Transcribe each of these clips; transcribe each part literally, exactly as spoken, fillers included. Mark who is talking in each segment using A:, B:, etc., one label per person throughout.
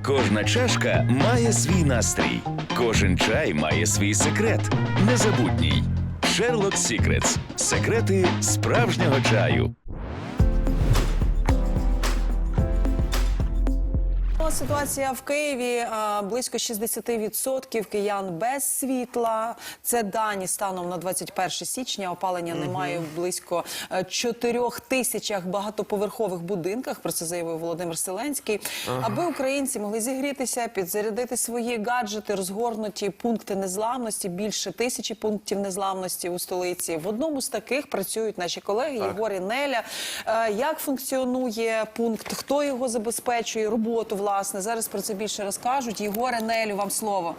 A: Кожна чашка має свій настрій. Кожен чай має свій секрет. Незабутній. Sherlock Secrets. Секрети справжнього чаю.
B: Ситуація в Києві. Близько шістдесят відсотків киян без світла. Це дані станом на двадцять перше січня. Опалення угу. немає в близько чотирьох тисячах багатоповерхових будинках. Про це заявив Володимир Зеленський. Ага. Аби українці могли зігрітися, підзарядити свої гаджети, розгорнуті пункти незламності. Більше тисячі пунктів незламності у столиці. В одному з таких працюють наші колеги так. Єгор і Неля. Як функціонує пункт? Хто його забезпечує? Роботу, власне. Зараз про це більше розкажуть. Єгоре, Нелю, вам слово.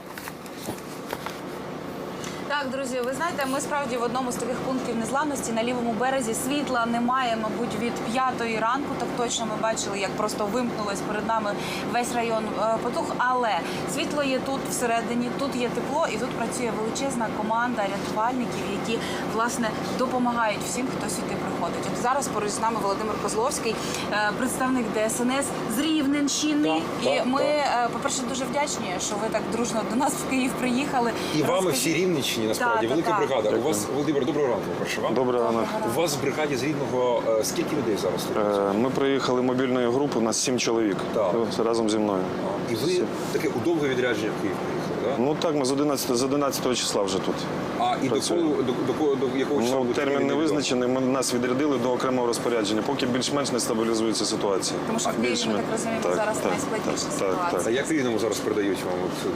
C: Так, друзі, ви знаєте, ми справді в одному з таких пунктів незламності на лівому березі. Світла немає, мабуть, від п'ятої ранку. Так точно ми бачили, як просто вимкнулось перед нами весь район потух. Але світло є тут всередині, тут є тепло і тут працює величезна команда рятувальників, які, власне, допомагають всім, хто сюди приходить. От зараз поруч з нами Володимир Козловський, представник ДСНС з Рівненщини. Так, і так, ми, так. по-перше, дуже вдячні, що ви так дружно до нас в Київ приїхали.
D: І вами всі Рівненщині. Насправді,
C: так,
D: велика
C: так,
D: бригада.
C: так.
D: У вас, Володимир, доброго ранку, прошу вам.
E: Доброго ранку.
D: У вас в бригаді з Рівного е, скільки людей зараз?
E: Е, ми приїхали мобільною групою, у нас сім чоловік. Так. Разом зі мною.
D: І ви таке у довге відрядження в Київ приїхали, так?
E: Ну так, ми з одинадцятого, з одинадцятого числа вже тут.
D: А і до, до, до, до, до якого числа?
E: Ну, термін не визначений, ми, нас відрядили до окремого розпорядження, поки більш-менш не стабілізується ситуація.
C: Тому що в Києві, ми так розуміємо,
E: так,
C: зараз
E: так,
C: найскладніша
E: так,
C: ситуація.
E: Так, так.
D: А як в Рівному зараз передають вам от,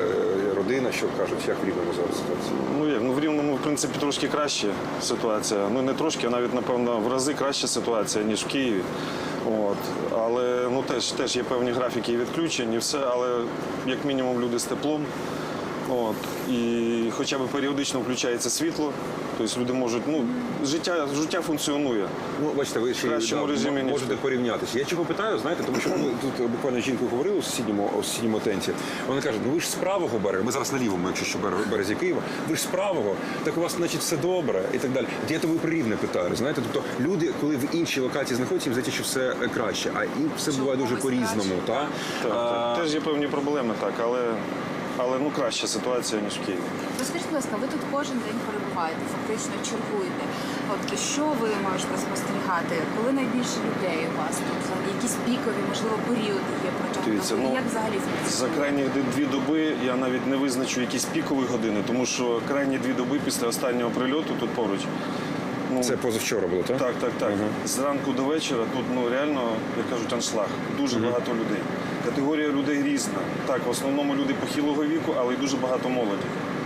D: е, родина, що кажуть, як в Рівному зараз ситуація?
E: Ну як, ну в Рівному, в принципі, трошки краща ситуація. Ну не трошки, а навіть, напевно, в рази краща ситуація, ніж в Києві. От. Але ну, теж, теж є певні графіки і відключень, і все, але як мінімум люди з теплом. От. І хоча б періодично включається світло, тобто люди можуть, ну, життя, життя функціонує.
D: Ну, бачите, ви ще
E: кращому
D: да,
E: режимі, ніж
D: можете порівнятися. Я чого питаю, знаєте, тому що ми тут буквально з жінкою говорили у сусідньому, у сусідньому тенті. Вона каже, ну ви ж з правого берега, ми зараз на лівому, якщо що березі Києва, ви ж з правого, так у вас, значить, все добре і так далі. Я то ви про Рівне питаю, знаєте, тобто люди, коли в іншій локації знаходяться, їм здається, що все краще, а і все буває дуже по-різному, так?
E: Так,
D: а...
E: так. Теж є певні проблеми, так, але... Але ну краща ситуація, ніж в Києві.
C: Розкажіть, будь ласка, ви тут кожен день перебуваєте, фактично чергуєте. От що ви можете спостерігати? Коли найбільше людей у вас тут? Якісь пікові, можливо, періоди є протягом
E: Дивіться,
C: доби?
E: ну,
C: Як взагалі
E: за крайні дві доби я навіть не визначу якісь пікові години, тому що крайні дві доби після останнього прильоту тут поруч. Ну,
D: це позавчора було, так?
E: Так, так, так.
D: Угу.
E: Зранку до вечора тут, ну, реально, як кажуть, аншлаг. Дуже угу. багато людей. Категорія людей різна. Так, в основному люди похилого віку, але й дуже багато молоді.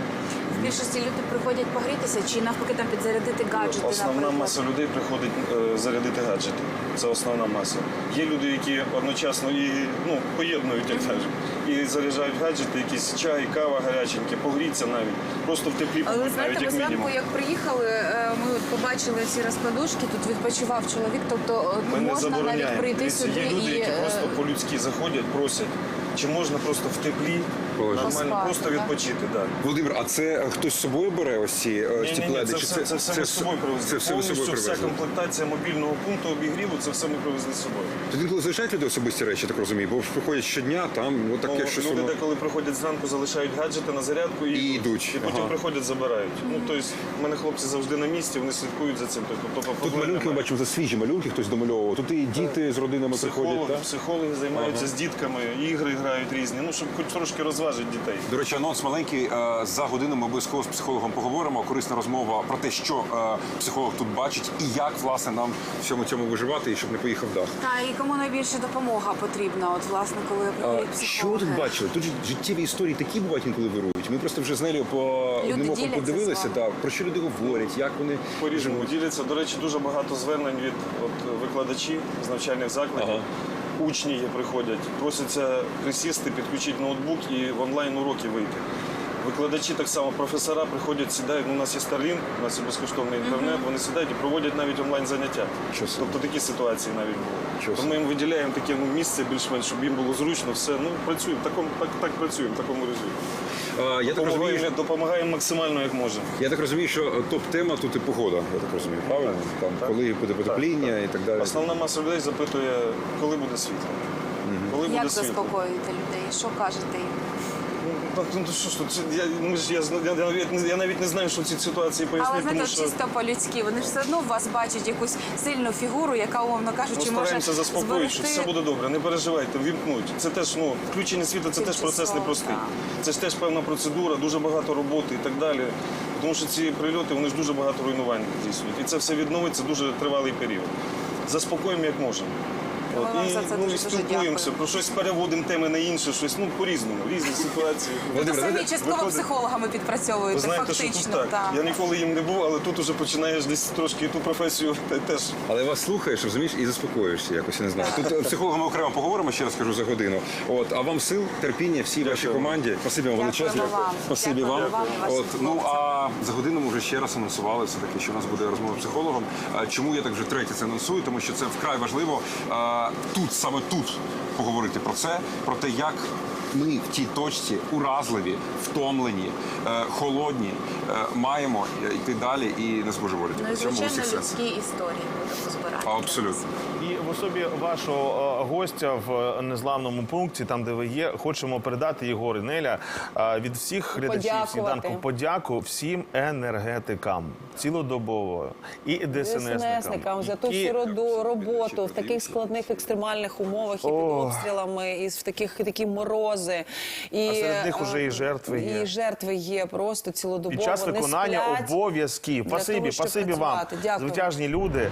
C: В більшості люди приходять погрітися чи навпаки там підзарядити гаджети?
E: Основна
C: наприклад?
E: маса людей приходить е, зарядити гаджети. Це основна маса. Є люди, які одночасно і ну, поєднують, як кажуть, і заряджають гаджети, якісь чай, кава гаряченькі, погріться навіть. Просто в теплі
C: Але ви
E: навіть
C: знаєте, ми
E: як
C: зранку,
E: мінімум.
C: як приїхали, ми побачили ці розкладушки, тут відпочивав чоловік, тобто
E: Ми не
C: можна навіть
E: забороняємо.
C: прийти
E: Дивіться,
C: сюди
E: є люди,
C: і...
E: які просто по-людськи заходять, просять, чи можна просто в теплі, нормально,
C: Поспати,
E: просто
C: так?
E: відпочити. Да.
D: Володимир, а це хтось з собою бере ось ці
E: Ні,
D: ці
E: ні, ні,
D: пледи?
E: це,
D: Чи
E: все, це все ми з собою привезли.
D: Це все ви з собою
E: Повністю вся
D: привезли?
E: комплектація мобільного пункту обігріву, це все ми привезли з собою.
D: Тоді інколи залишають люди особисті речі, так розумію, бо приходять щодня, там, от таке
E: Ну,
D: щось
E: люди
D: воно...
E: деколи приходять зранку, залишають гаджети на зарядку і,
D: І йдуть.
E: І потім
D: Ага.
E: приходять, забирають. Ну, тобто, в мене хлопці завжди на місці, вони слідкують за цим. Тобто,
D: Тут малюнки ми бачимо, це свіжі малюнки, хтось домальовував. Тут і діти з родинами приходять,
E: Психологи,
D: так?
E: психологи займаються
D: Ага.
E: з дітками, ігри грають різні, ну, щоб хоч трошки розважити дітей.
D: До речі, анонс маленький. За годину ми обов'язково з психологом поговоримо. Корисна розмова про те, що психолог тут бачить і як, власне, нам всьому цьому виживати, і щоб не поїхав дах.
C: Та, і кому найбільше допомога потрібна, от, власне, коли приходять психологи?
D: Що ви тут бачили? Тут життєві історії такі бувають, інколи вирують. Ми просто вже з Нелею по одним оком
C: діляться
D: подивилися,
C: з вами.
D: так, про що люди говорять, як вони
E: По-різному діляться. До речі, дуже багато звернень від от, викладачів з навчальних закладів.
D: Ага.
E: Учні є, приходять, просяться присісти, підключити ноутбук і в онлайн-уроки вийти. Викладачі так само, професора приходять, сідають, ну, у нас є Starlink, у нас є безкоштовний інтернет, mm-hmm. вони сідають і проводять навіть онлайн-заняття. Тобто такі ситуації навіть були. Тому ми їм виділяємо таке ну, місце більш-менш, щоб їм було зручно, все, ну, працюємо, так, так, так працюємо, в такому режимі.
D: А, я, так розумію, що...
E: Допомагаємо максимально, як можемо.
D: я так розумію, що топ-тема тут і погода, я так розумію, правильно? Там,
E: так.
D: Коли буде потепління
E: так, так.
D: і так далі.
E: Основна маса людей запитує, коли буде світло. Угу. Коли коли
C: Як
E: буде світло.
C: заспокоюєте людей? Що кажете їм?
E: Ну, так, ну що ж тут, я, ми ж, я, зна- я, я, навіть не- я навіть не знаю, що в цій ситуації пояснити,
C: Але знаєте,
E: тому
C: от
E: що
C: чисто по-людськи, вони ж все одно в вас бачать якусь сильну фігуру, яка, умовно
E: ми
C: кажучи, може
E: стараємося заспокоїти, що
C: зберегти.
E: все буде добре, не переживайте, вімкнуть. Це теж, ну, включення світла, це теж
C: Тимчасово,
E: процес непростий.
C: так.
E: Це ж теж певна процедура, дуже багато роботи і так далі. Тому що ці прильоти, вони ж дуже багато руйнувань здійснюють. І це все відновиться дуже тривалий період. Заспокоїмо як можемо.
C: Ми
E: От,
C: вам
E: і,
C: за це
E: ну,
C: дуже,
E: і
C: дуже
E: спілкуємося,
C: дякую.
E: про щось переводимо теми на інше, щось, ну, по-різному, різні ситуації.
C: Ви самі частково
E: виходить-
C: психологами
E: Ви
C: підпрацьовуєте,
E: знаєте, що
C: фактично.
E: тут так.
C: так.
E: Я ніколи їм не був, але тут уже починаєш десь трошки і ту професію те- теж.
D: Але вас слухаєш, розумієш, і заспокоюєшся якось, я не знаю. Тут е, психологами окремо поговоримо, ще раз кажу, за годину. От, а вам сил, терпіння, всій вашій команді. Спасибі вам
C: Дякуємо
D: величезне.
C: вам.
D: Спасибі вам.
C: Дякуємо вам і вашим
D: От, ну,
C: хлопцям.
D: а за годину ми вже ще раз анонсували все-таки, що у нас буде розмова з психологом. А чому я так вже третє це анонсую? Тому що це вкрай важливо а, тут, саме тут, поговорити про це, про те, як ми в тій точці уразливі, втомлені, е, холодні, е, маємо йти далі і не збожеволіти.
C: Ну і
D: В цьому
C: звичайно
D: усіх сенс.
C: людські історії будемо збирати.
D: Абсолютно.
F: І в особі вашого е, гостя в незламному пункті, там де ви є, хочемо передати Єгор і Неля е, від всіх глядачів
B: Подякувати.
F: сніданку подяку всім енергетикам цілодобово і ДСНСникам.
B: ДСНСникам за ту
F: які-
B: всю роду- роботу в таких складних екстремальних умовах і під обстрілами, і в таких такі морози. І,
F: А серед них
B: е,
F: уже і жертви є.
B: І жертви є просто цілодобово.
F: Під час
B: не
F: виконання
B: сплять
F: обов'язків.
B: для
F: Спасибі,
B: того, щоб
F: спасибі вам,
B: працювати. Дякую.
F: звитяжні люди.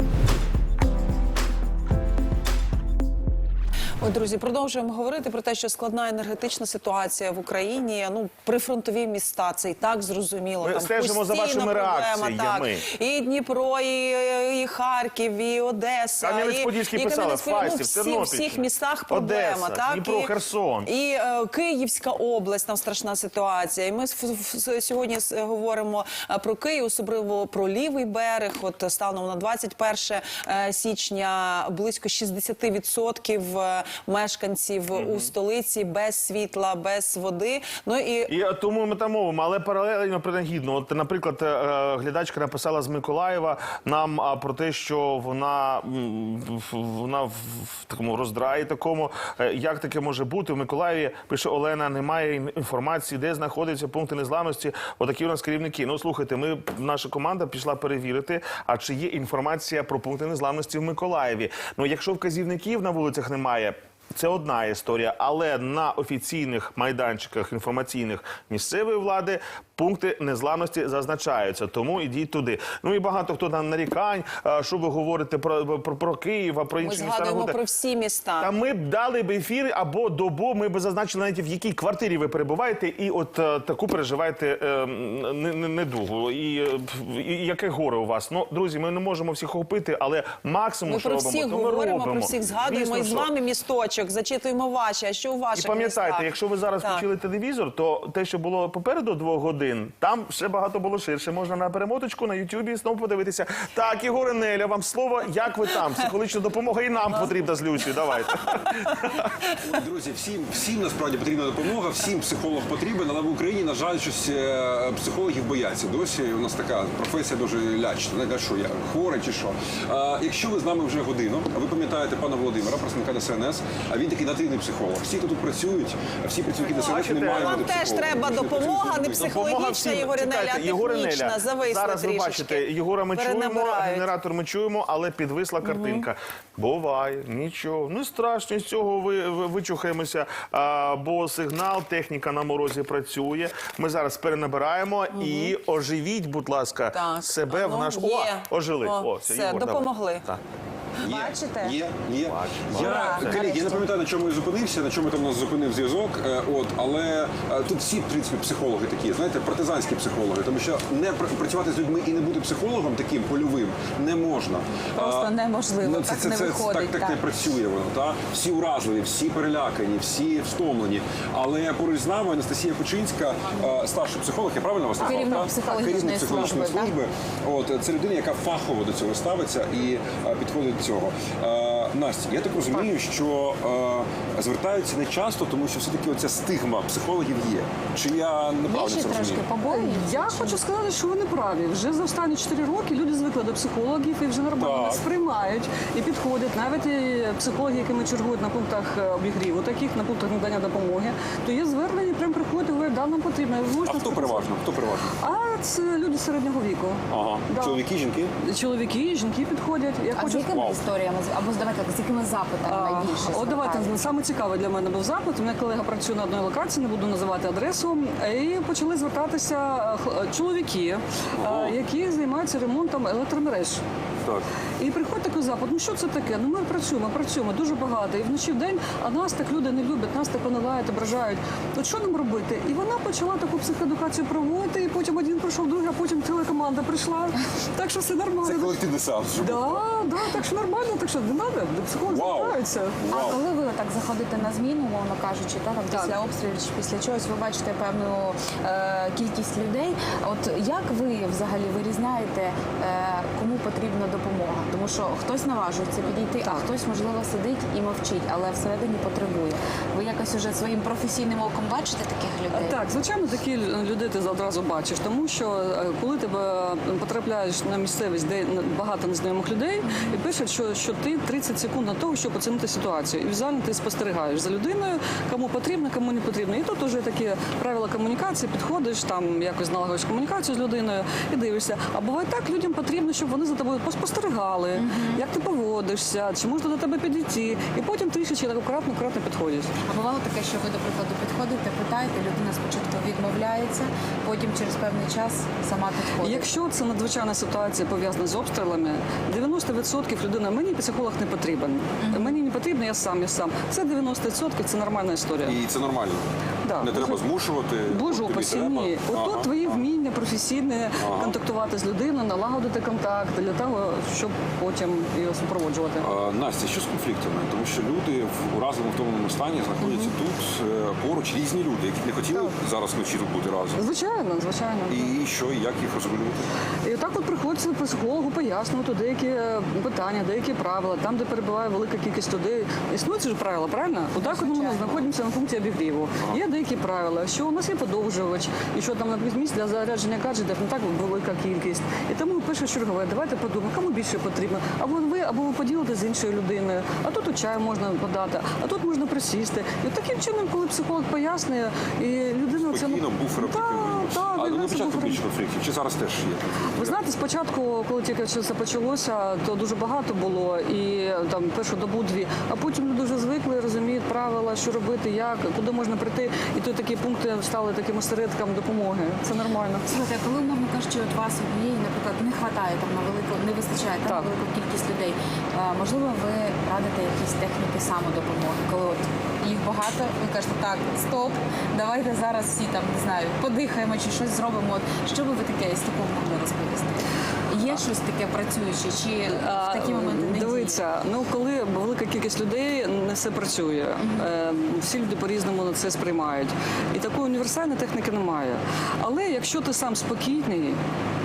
B: Ой, друзі, продовжуємо говорити про те, що складна енергетична ситуація в Україні. Ну, прифронтові міста, це і так зрозуміло.
F: Ми
B: Там
F: стежимо за
B: постійно
F: вашими
B: проблема,
F: реакціями.
B: Так. І Дніпро, і, і Харків, і Одеса.
F: Кам'янець-Подільський
B: і, і
F: писали,
B: Кам'янець-Подільський.
F: Фастів,
B: ну, всі, в
F: Тернопільщина,
B: всіх містах проблема.
F: Одеса,
B: так?
F: Дніпро,
B: і,
F: Херсон.
B: І е, Київська область, там страшна ситуація. І ми с- с- сьогодні с- говоримо е, про Київ, особливо про лівий берег. От станом на двадцять перше е, січня близько шістдесят відсотків е, мешканців у столиці без світла, без води. Ну і
F: І е, тому ми там мовимо, але паралельно принагідно. От, наприклад, е, е, глядачка написала з Миколаєва нам а, про те, що вона, м, в- вона в, в такому роздраї такому. Е, Як таке може бути? В Миколаєві, пише Олена, немає ін- інформації, де знаходяться пункти незламності. Отакі у нас керівники. Ну, слухайте, ми, наша команда пішла перевірити, а чи є інформація про пункти незламності в Миколаєві. Ну, якщо вказівників на вулицях немає, це одна історія, але на офіційних майданчиках інформаційних місцевої влади пункти незламності зазначаються, тому ідіть туди. Ну і багато хто там нарікань, а, що ви говорите про, про, про Київ, а про
B: ми
F: інші міста.
B: згадуємо
F: Нагода.
B: про всі міста.
F: Та ми б дали б ефір або добу, ми б зазначили навіть в якій квартирі ви перебуваєте і от е, таку переживаєте е, не- не- недугу. І, е, і яке горе у вас. Ну, друзі, ми не можемо всіх охопити, але максимум,
B: Ми
F: що
B: про
F: робимо,
B: всіх
F: то ми
B: говоримо,
F: робимо.
B: про всіх згадуємо.
F: Звісно,
B: І з
F: що.
B: вами місточок, зачитуємо ваші, а що у ваших
F: І пам'ятайте,
B: містах?
F: якщо ви зараз
B: Так.
F: включили телевізор, то те, що було попереду двох годин, там ще багато було ширше. Можна на перемоточку на Ютубі знову подивитися. Так, Єгор і Неля, вам слово, як ви там? Психологічна допомога і нам потрібна з Люсі. Давайте.
D: Друзі, всім, всім насправді потрібна допомога, всім психолог потрібен, але в Україні, на жаль, щось е, психологів бояться. Досі у нас така професія дуже лячна. Не кажу, що я хворий чи що. А, якщо ви з нами вже годину, а ви пам'ятаєте пана Володимира, представника ДСНС, а він такий нативний психолог. Всі, хто тут працюють, всі працівники ДСНС не
F: Бачите,
D: мають
B: Вам
D: бути
B: теж
D: психологами.
B: треба
D: Вони
B: допомога,
D: працюють
B: не
D: з людьми.
F: Допомога
B: психологічна,
F: всім.
B: Єгор і Неля,
F: Чекайте,
B: а
F: Єгор і Неля,
B: технічна, зависла
F: зараз ви
B: трішечки.
F: бачите, Єгора ми чуємо,
B: Перенабирають.
F: генератор ми чуємо, але підвисла картинка. Буває, нічого. Не страшно, з цього ви, ви, вичухаємося, а, бо сигнал, техніка на морозі працює. Ми зараз перенабираємо і оживіть, будь ласка,
B: Так,
F: себе
B: а
F: в
B: ну,
F: наш...
B: є.
F: О, ожили.
B: О,
F: О,
B: все,
F: Єгор, давай.
B: допомогли.
F: Так.
D: Є,
C: Бачите?
D: Є, є. Я,
C: Ура,
D: колеги, я
C: нарешті.
D: не пам'ятаю, на чому я зупинився, на чому там нас зупинив зв'язок. е, От, але е, тут всі, в принципі, психологи такі, знаєте, партизанські психологи. Тому що не пр- працювати з людьми і не бути психологом таким польовим не можна.
C: Просто
D: А,
C: неможливо,
D: ну, це,
C: так
D: це,
C: не
D: це,
C: виходить,
D: Так, так,
C: так.
D: не працює воно. Та? Всі уразливі, всі перелякані, всі втомлені. Але поруч з нами Анастасія Кучинська, е, старший психолог, я правильно вас назвав?
C: Керівник
D: так?
C: психологічної
D: Керівник психологічної
C: служби,
D: служби. От, це людина, яка фахово до цього ставиться і е, підходить до цього. Е, Настя, я так розумію, що е, звертаються не часто, тому що все-таки оця стигма психологів є. Чи я
G: Є
D: неправильно
G: ще
D: це
G: трошки
D: розумію?
G: побоюються?
H: Я
G: чи
H: хочу сказати, що вони праві. Вже за останні чотири роки люди звикли до психологів і вже нормально
D: Так.
H: нас сприймають і підходять. Навіть і психологи, якими чергують на пунктах е, обігріву, таких на пунктах надання допомоги, то є звернення, прям приходять і говорять, да, нам потрібно. Ви
D: А
H: можете
D: хто
H: нас
D: переважно? Хто переважно?
H: А це люди середнього віку.
D: Ага.
H: Да.
D: Чоловіки, жінки?
H: Чоловіки, жінки підходять. Я
G: А з
H: хочу
G: якими
D: Вау.
G: історіями, або давайте так, з якими запитами
H: А,
G: найбільше
H: От давайте
G: звертаються?
H: саме цікаве для мене був запит. У мене колега працює на одній локації, не буду називати адресу. І почали звертатися х- чоловіки,
D: Ага.
H: е, які займаються ремонтом електромереж.
D: Так.
H: І приходить такий запит, ну що це таке? Ну ми працюємо, працюємо дуже багато. І вночі в день, а нас так люди не люблять, нас так понилають, ображають. От що нам робити? І вона почала таку психоедукацію проводити, і потім один прийшов, другий, а потім ціла команда прийшла. Так що все нормально.
D: Це колективний сеанс. щоб
H: Да,
D: було.
H: да, так що нормально, так що не треба, до психолога
D: Вау.
H: звертаються.
G: А
D: Вау.
G: коли ви так заходите на зміну, мовно кажучи, та, там,
H: Так.
G: після обстрілів чи після чогось, ви бачите певну е, кількість людей. От як ви взагалі вирізняєте, е, кому потрібна допомога? Тому що хтось наважується підійти, а хтось, можливо, сидить і мовчить, але всередині потребує. Ви якось уже своїм професійним оком бачите таких людей?
H: Так, звичайно, такі людей ти одразу бачиш, тому що е, коли ти е, потрапляєш на місцевість, де багато незнайомих людей, і пишуть, що, що ти тридцять секунд на того, щоб оцінити ситуацію. І візуально ти спостерігаєш за людиною, кому потрібно, кому не потрібно. І тут вже такі правила комунікації, підходиш, там якось налагодиш комунікацію з людиною і дивишся. А буває так, людям потрібно, щоб вони за тобою поспостерігали, як ти поводишся, чи можна до тебе підійти. І потім трішечки так акуратно, акуратно підходять.
G: А бувало таке, що ви, до прикладу, підходите, питаєте, людина спочатку відмовляється, потім через певний час сама підходить.
H: Якщо це надзвичайна ситуація пов'язана з обстрілами, дев'яносто відсотків людина, мені психолог не потрібен. Мені не потрібно, я сам, я сам. Це дев'яносто відсотків, це нормальна історія.
D: І це нормально.
H: Да.
D: Не треба змушувати.
H: Боже
D: тобі
H: упаси,
D: треба.
H: ні.
D: Ага.
H: Ото твої вміння професійне контактувати з людиною, налагодити контакт для того, щоб потім його супроводжувати.
D: А, Настя, що з конфліктами? Тому що люди в уразливому втомленому стані знаходяться тут е, поруч різні люди, які б не хотіли зараз вночі тут бути разом.
H: Звичайно, звичайно.
D: І що, і як їх розрулювати?
H: І так от приходиться психологу пояснювати деякі е, питання, деякі правила, там, де перебуває велика кількість людей. Існують ж правила, правильно? Отак от ми знаходимося на пункті обігріву. Є деякі правила, що у нас є подовжувач, і що там на місць для зарядження гаджетів не так велика кількість. І тому пише чергове, давайте подумаємо, кому більше потрібно. Або ви, або ви поділите з іншою людиною, а тут у чаю можна подати, а тут можна присісти. І от таким чином, коли психолог пояснює, і людина це
D: Спокійно, буфером
H: Так,
D: таким.
H: так,
D: А
H: для
D: на
H: нас це
D: початку
H: буфером.
D: більше конфліктів, чи зараз теж є?
H: Ви знаєте, спочатку, коли тільки це почалося, то дуже багато було, і там першу добу-дві, а потім люди вже звикли, розуміють правила, що робити, як, куди можна прийти. І то такі пункти стали таким осередком допомоги. Це нормально.
G: Слухайте, а коли, умовно кажучи, от вас однієї, наприклад, не вистачає там на велику, не вистачає там, на
H: Так.
G: велику кількість людей, а, можливо, ви радите якісь техніки самодопомоги, коли от їх багато, ви кажете, так, стоп, давайте зараз всі там, не знаю, подихаємо чи щось зробимо. От, що би ви таке з такого могли розповісти? Є щось таке працююче, чи в такі моменти не діє?
H: Дивіться, ну коли велика кількість людей, не все працює. Е, Всі люди по-різному на це сприймають. І такої універсальної техніки немає. Але якщо ти сам спокійний,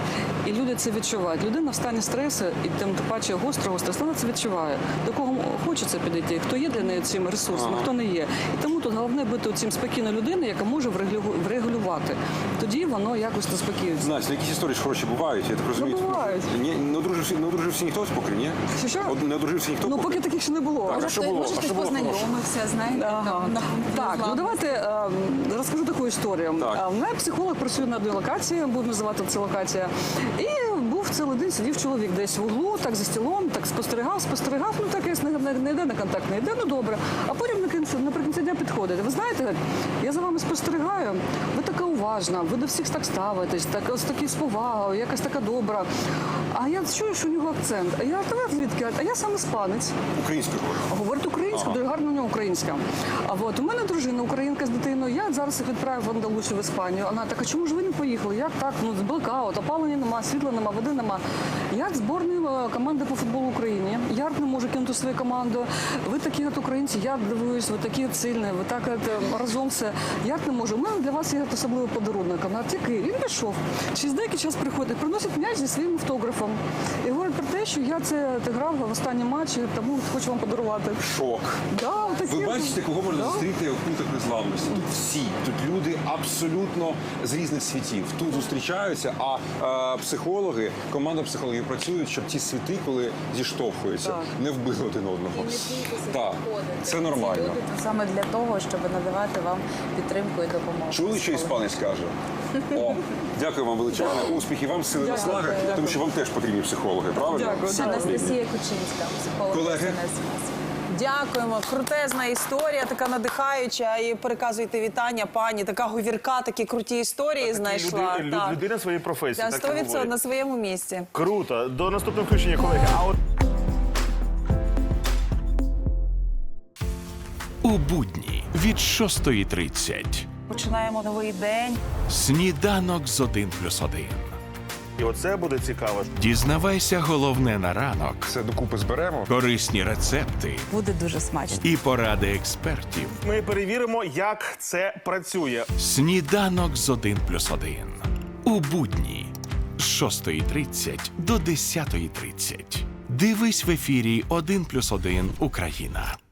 H: і люди це відчувають. Людина в стані стресу, і тим паче гострого стресу, вона це відчуває. До кого хочеться підійти, хто є для неї цим ресурсом, а хто не є. І тому тут головне бути цим спокійною людиною, яка може врегулю- врегулювати. Тоді воно якось заспокоюється.
D: Настя, якісь історії ж хороші бувають, я так розумію.
H: Ну, бувають.
D: Ні, не одружився, не одружився ніхто поки, ні?
H: Що, що?
D: От Не одружився ніхто
H: Ну,
D: поки?
H: поки таких ще не було.
D: Так, а що було?
G: Може,
D: А
G: хтось
D: що було хорошого?
G: познайомився, знаєте,
H: Ага.
G: там, на пункті
H: Так, ну
G: незламності.
H: давайте е, розкажу таку історію.
D: Так.
H: А, в мене психолог працює на одній локації, буду називати це локація. І був цілий день, сидів чоловік десь в углу, так за стілом, так спостерігав, спостерігав, ну так якось не, не, не йде на контакт, не йде, ну добре. А потім наприкінці, наприкінці дня підходить. Ви знаєте, я за вами спостерігаю, ви така уважна, ви до всіх так ставитесь, так, ось такі з повагою, якась така добра. А я чую, що у нього акцент. А я тебе звідки? А я сам іспанець.
D: Українською говорю.
H: Говорить українською, дуже гарно у нього українська. А от у мене дружина українка з дитиною. Я зараз їх відправив в Андалусію, в Іспанію. Вона така, чому ж ви не поїхали? Як так? Ну, блекаут, опалення нема, світла нема, води нема. Я з зборної е, команди по футболу України. Я не можу кинути свою команду. Ви такі от українці, я дивуюсь, ви такі от сильні, ви так от е, разом все. Я не можу. У мене для вас є особливий подарунок. Вона тільки він пішов. Через деякий час приходить, приносить м'яч зі своїм автографом. І говорить про те, що я це грав в останній матчі, тому хочу вам подарувати.
D: Шок.
H: Да, таке.
D: Ви бачите, кого можна
H: Да.
D: зустріти в пунктах незламності? Тут всі. Тут люди абсолютно з різних світів. Тут зустрічаються, а е, психологи, команда психологів працюють, щоб ті світи, коли зіштовхуються,
H: Так.
D: не вбили один одного. Так, це нормально.
G: Люди тут саме для того, щоб надавати вам підтримку і допомогу.
D: Чули, що іспанець каже? О, дякую вам величезне. Успіхів вам, сили наслаги, тому що вам теж потрібні психологи, правильно?
H: Дякую.
D: Всі
G: Анастасія Кучинська, психолог.
D: Колеги?
B: Дякуємо. Крутезна історія, така надихаюча. І переказуйте вітання, пані. Така говірка, такі круті історії знайшла.
F: Люди,
B: Так.
F: людина своєї професії.
B: Так,
F: так і
B: сто відсотків
F: говорить.
B: на своєму місці.
F: Круто. До наступного включення, колеги. А от
A: У будні від шостої тридцять.
B: Починаємо новий день.
A: Сніданок з один плюс один.
F: і оце буде цікаво.
A: Дізнавайся головне на ранок.
D: Все докупи зберемо.
A: Корисні рецепти
G: Буде дуже смачно.
A: і поради експертів.
F: Ми перевіримо, як це працює.
A: Сніданок з один плюс один. У будні з шостої тридцять до десятої тридцять. Дивись в ефірі один плюс один Україна.